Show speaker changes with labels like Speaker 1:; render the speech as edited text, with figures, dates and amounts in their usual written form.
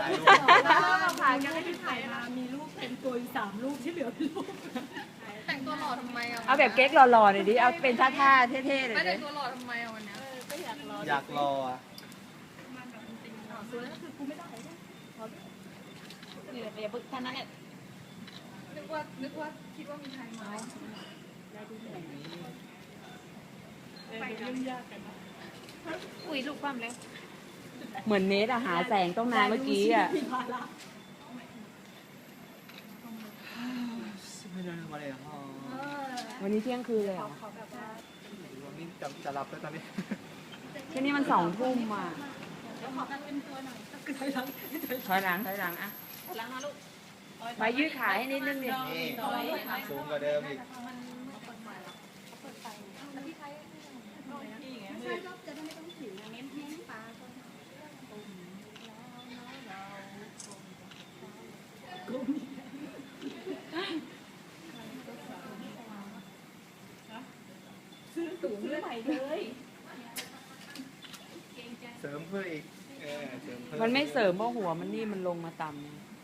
Speaker 1: ายรูป
Speaker 2: ถ่ายกันไม่ได้ถ่ายมามีรูปเป็นตัวอยู่3 รูปที่เหลือเป็นรูป
Speaker 3: แต่งตัวหล่อทำไมอ่ะ
Speaker 4: เอาแบบเก๊กหล่อๆหน่อยดิเอาเป็นท่าๆเท่ๆเลย
Speaker 3: ไม่
Speaker 4: ดิ
Speaker 3: แต่งตัวหล่อทำไมอ่ะวันเนี้ย
Speaker 2: ก็อยากรอ
Speaker 1: อยากรออ่ะ
Speaker 2: สวยก็คือกูไม่ได้นี่แหละอย่าบึกท่านนั้นแหละ
Speaker 3: นึกว่าคิดว่ามีใครมา
Speaker 2: ไปยุ่งยากกัน
Speaker 3: อุ้ยลูกความแล้ว
Speaker 4: เหมือนเนทอะหาแสงต้องนานเมื่อกี้อะ
Speaker 2: มีภาระ
Speaker 1: ไม่ได้ทำอะไรอ่ะพ่อ
Speaker 4: วันนี้เที่ยงคืนเลยเหรอ
Speaker 2: ขอแบบว่า
Speaker 1: วันนี้จะรับแล้วตอนนี้
Speaker 4: แค่นี้มัน2 ทุ่มอ่ะ
Speaker 2: เดี๋ยวขอกันเป็นตัวหน่อยก็คือถอยหลัง
Speaker 4: ถอยหลังอะ
Speaker 2: หลังนะลูก
Speaker 4: ไปยืดขาให้นิดนึงดิ
Speaker 1: นี่สูงกว่าเดิมอีก
Speaker 2: ไม่ใช่ก็จะได้ไม่ต้องถือเน้นแห้งปลาซื้อถุงใหม่เลย
Speaker 1: เสริมเพื่ออีกเสริมเพิ่
Speaker 4: มันไม่เสริมเพราะหัวมันนี่มันลงมาต่ำ